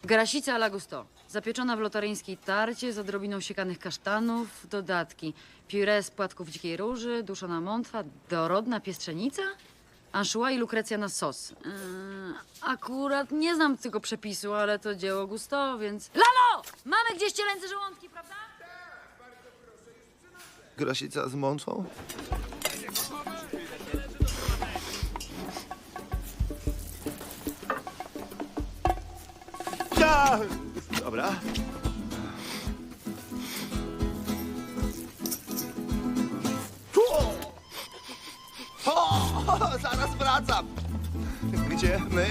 Grasica alla gusto. Zapieczona w lotaryńskiej tarcie z odrobiną siekanych kasztanów, dodatki. Puree z płatków dzikiej róży, duszona mątwa, dorodna piestrzenica, anchois i lukrecja na sos. Akurat nie znam tego przepisu, ale to dzieło gusto, więc... Lalo! Mamy gdzieś cielęce żołądki, prawda? Grasica z mączą? Ja! Dobra. O, zaraz wracam. Gdzie my?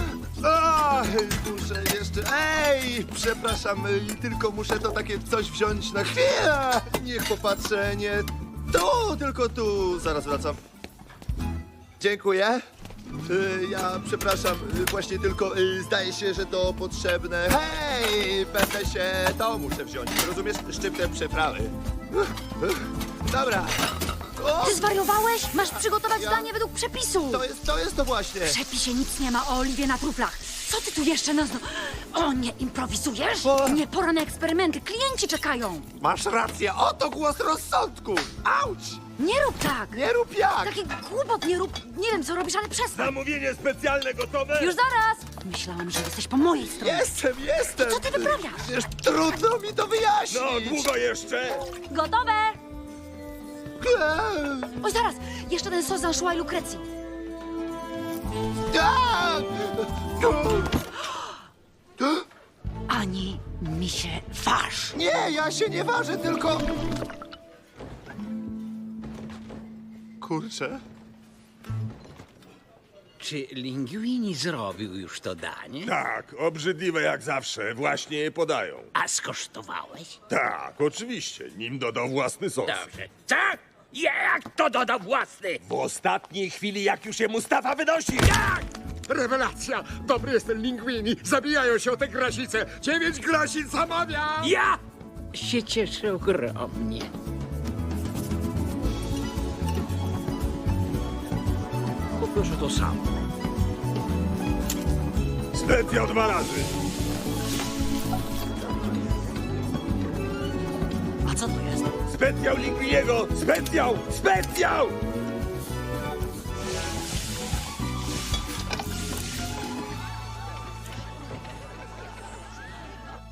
Muszę jeszcze... Ej, przepraszam, tylko muszę to takie coś wziąć na chwilę. Niech popatrzę, nie... Tu, tylko tu. Zaraz wracam. Dziękuję. Ja przepraszam, właśnie tylko zdaje się, że to potrzebne. Hej, będę się... To muszę wziąć, rozumiesz? Szczyptę przeprawy. Dobra. O, Ty zwariowałeś? Masz przygotować danie według przepisu. to jest to właśnie. W przepisie nic nie ma o oliwie na truflach. Co ty tu jeszcze O, nie improwizujesz? O. Nie, pora na eksperymenty. Klienci czekają. Masz rację, oto głos rozsądku. Auć! Nie rób tak. Nie rób jak. Taki głupot nie rób. Nie wiem, co robisz, ale przestań. Zamówienie specjalne gotowe? Już zaraz. Myślałam, że jesteś po mojej stronie. Jestem. Co ty wyprawiasz? Przecież trudno mi to wyjaśnić. No, długo jeszcze? Gotowe. Oj, zaraz. Jeszcze ten sos z anchois i lukrecji. Ani mi się waż. Nie, ja się nie ważę, tylko... Kurczę. Czy Linguini zrobił już to danie? Tak, obrzydliwe jak zawsze. Właśnie je podają. A skosztowałeś? Tak, oczywiście. Nim dodał własny sos. Dobrze. Co? Jak to dodał własny? W ostatniej chwili, jak już je Mustafa wynosi. Rewelacja! Dobry jest ten Linguini! Zabijają się o tę grasice! 9 grasic zamawiam! Ja się cieszę ogromnie. Poproszę to samo. Specjal 2 razy. A co to jest? Specjal Linguiniego! Specjal! Specjal!